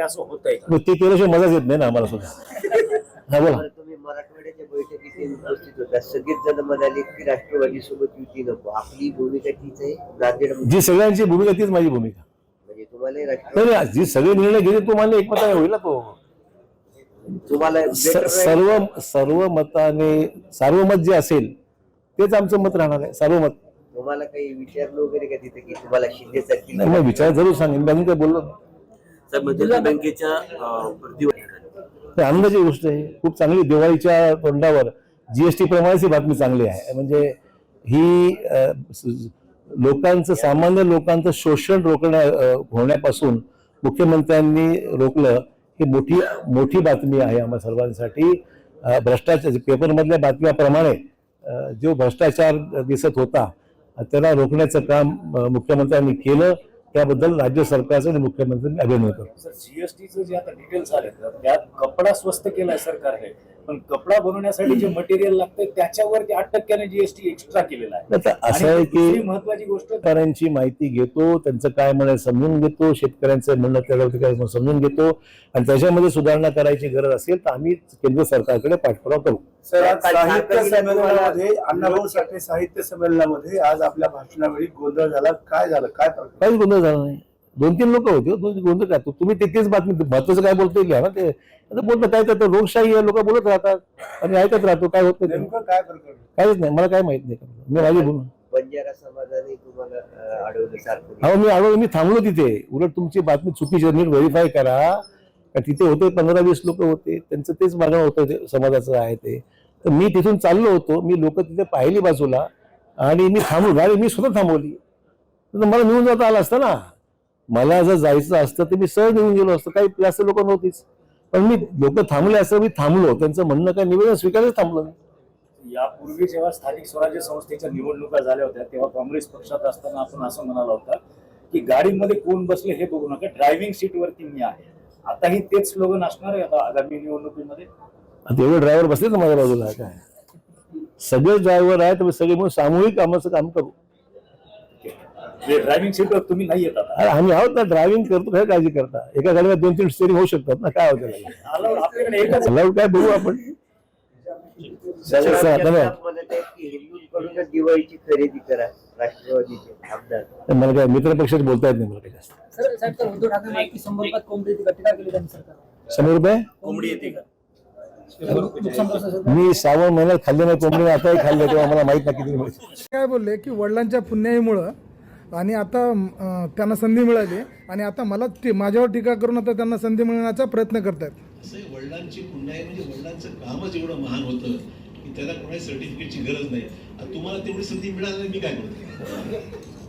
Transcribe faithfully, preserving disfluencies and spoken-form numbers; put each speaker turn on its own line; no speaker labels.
असं होतंय का?
ते केल्याशिवाय मजाच येत नाही ना आम्हाला सुद्धा. हा बोला.
तुम्ही मराठवाड्याच्या बैठकीत उपस्थित होता, सगळेच जण म्हणाले की राष्ट्रवादी सोबत युती नको, आपली भूमिका तीच आहे. नांदेड
जी सगळ्यांची भूमिका तीच माझी भूमिका.
म्हणजे तुम्हाला राष्ट्रवादी
नाही, जी सगळे निर्णय घेते तो मान्य एकमताने होईल ना तो.
तुम्हाला better
सर्व सर्व मताने सार्वमत जे असेल तेच आमचं मत राहणार आहे. सार्वमत.
तुम्हाला काही विचारलं वगैरे का तिथे की तुम्हाला शिंदे सारखी
नाही, मग विचार जरूर सांगेन. मी काय बोललो
साहेब, मध्यवर्ती बँकेच्या
ते आनंदाची गोष्ट आहे. खूप चांगली दिवाळीच्या तोंडावर जीएसटी प्रमाणेच ही बातमी चांगली आहे. म्हणजे ही अ, लोकांचं सामान्य लोकांचं शोषण रोखण्या अ, होण्यापासून मुख्यमंत्र्यांनी रोखलं ही मोठी मोठी बातमी आहे आम्हा सर्वांसाठी. अ, भ्रष्टाचार पेपरमधल्या बातम्याप्रमाणे अ, जो भ्रष्टाचार दिसत होता त्याला रोखण्याचं काम अ, मुख्यमंत्र्यांनी केलं. त्याबद्दल राज्य सरकारचं आणि मुख्यमंत्र्यांनी अभिनंदन करतो.
सर, जीएसटीचं जे आता डिटेल्स आले त्यात कपडा स्वस्त केलाय सरकारने, पण कपडा बनवण्यासाठी जे मटेरियल लागतं त्याच्यावरती आठ टक्क्याने जीएसटी एक्स्ट्रा केलेला आहे.
आता असं आहे की
महत्वाची गोष्ट,
शेतकऱ्यांची माहिती घेतो, त्यांचं काय म्हणणं समजून घेतो, शेतकऱ्यांचं म्हणणं त्याच्यावरती काय समजून घेतो आणि त्याच्यामध्ये सुधारणा करायची गरज असेल तर आम्ही केंद्र सरकारकडे पाठपुरावा करू.
सर, आज साहित्य संमेलनामध्ये अण्णाभाऊ साठे साहित्य संमेलनामध्ये आज आपल्या भाषणावेळी गोंधळ झाला. काय झालं, काय प्रकार?
काहीच गोंधळ झाला नाही. दोन तीन लोक होते. दोन गोंधळ काय तुम्ही तिथेच बातमी महत्वाचं काय बोलतो घ्या ना. ते बोलतं काय तर लोकशाही लोक बोलत राहतात आणि ऐकत राहतो. काय होत नाही,
नेमकं काय प्रकार?
काहीच नाही. मला काय माहित नाही. मी माझी बोलून
बंजारा समाजाने तुम्हाला अं, अडवलं सारखं.
हो मी आलो मी थांबलो तिथे. उलट तुमची बातमी चुकीची नीट व्हेरीफाय करा. का तिथे होते पंधरा वीस लोक होते, त्यांचं तेच मागणं होतं ते समाजाचं आहे ते. तर मी तिथून चाललो होतो. मी लोक तिथे पाहिली बाजूला आणि मी थांबलो. गाडी मी स्वतः थांबवली. तर मला निघून जाता आलं असतं ना. मला जर जायचं असतं तर मी सहज निघून गेलो असतो. काही जास्त लोक नव्हतीच. पण मी लोक थांबले असं मी थांबलो. त्यांचं म्हणणं काय निवेदन स्वीकारच थांबलो मी.
यापूर्वी जेव्हा स्थानिक स्वराज्य संस्थेच्या निवडणुका झाल्या होत्या तेव्हा काँग्रेस पक्षात असताना आपण असं म्हणाला होता की गाडीमध्ये कोण बसले हे बघू नका, ड्रायव्हिंग सीटवरती मी आहे. आताही तेच स्लोगन असणार आहे आता आगामी निवडणुकीमध्ये.
आता एवढे ड्रायव्हर बसले ना माझ्या बाजूला. काय सगळे ड्रायव्हर आहेत, सगळे म्हणून सामूहिक कामाचं काम करू.
ड्रायव्हिंग सीटवर तुम्ही नाही येत आता.
अरे आम्ही आहोत ना, ड्रायव्हिंग करतो. काय काळजी करता. एका गाडीला दोन तीन स्टेरिंग होऊ शकतात ना. काय होतं
आपल्याकडे एकच
काय बघू आपण.
हिंदूंकडूनच दिवाळीची खरेदी करा राष्ट्रवादीचे आमदार.
मला काय मित्र पक्षात बोलता येत नाही. मला काय जास्त
उद्धव ठाकरे माहिती शंभर रुपयात कोंबडी येते का? टीका केली त्यांनी सरकार.
शंभर रुपये
कोंबडी येते का?
नुकसान कसं?
मी श्रावण महिन्यात खाल्ले नाही कोंबडी, आताही खाल्ले तेव्हा मला माहित नाही किती मिळते.
काय बोलले की वडिलांच्या पुण्याईमुळं आणि आता अं, त्यांना संधी मिळाली आणि आता मला टी माझ्यावर टीका करून आता त्यांना संधी मिळवण्याचा प्रयत्न करतात.
असं वडिलांची पुण्याई म्हणजे वडिलांचं कामच एवढं महान होतं की त्याला कोणाही सर्टिफिकेटची गरज नाही. तुम्हाला तेवढी संधी मिळाली नाही, मी काय करतो.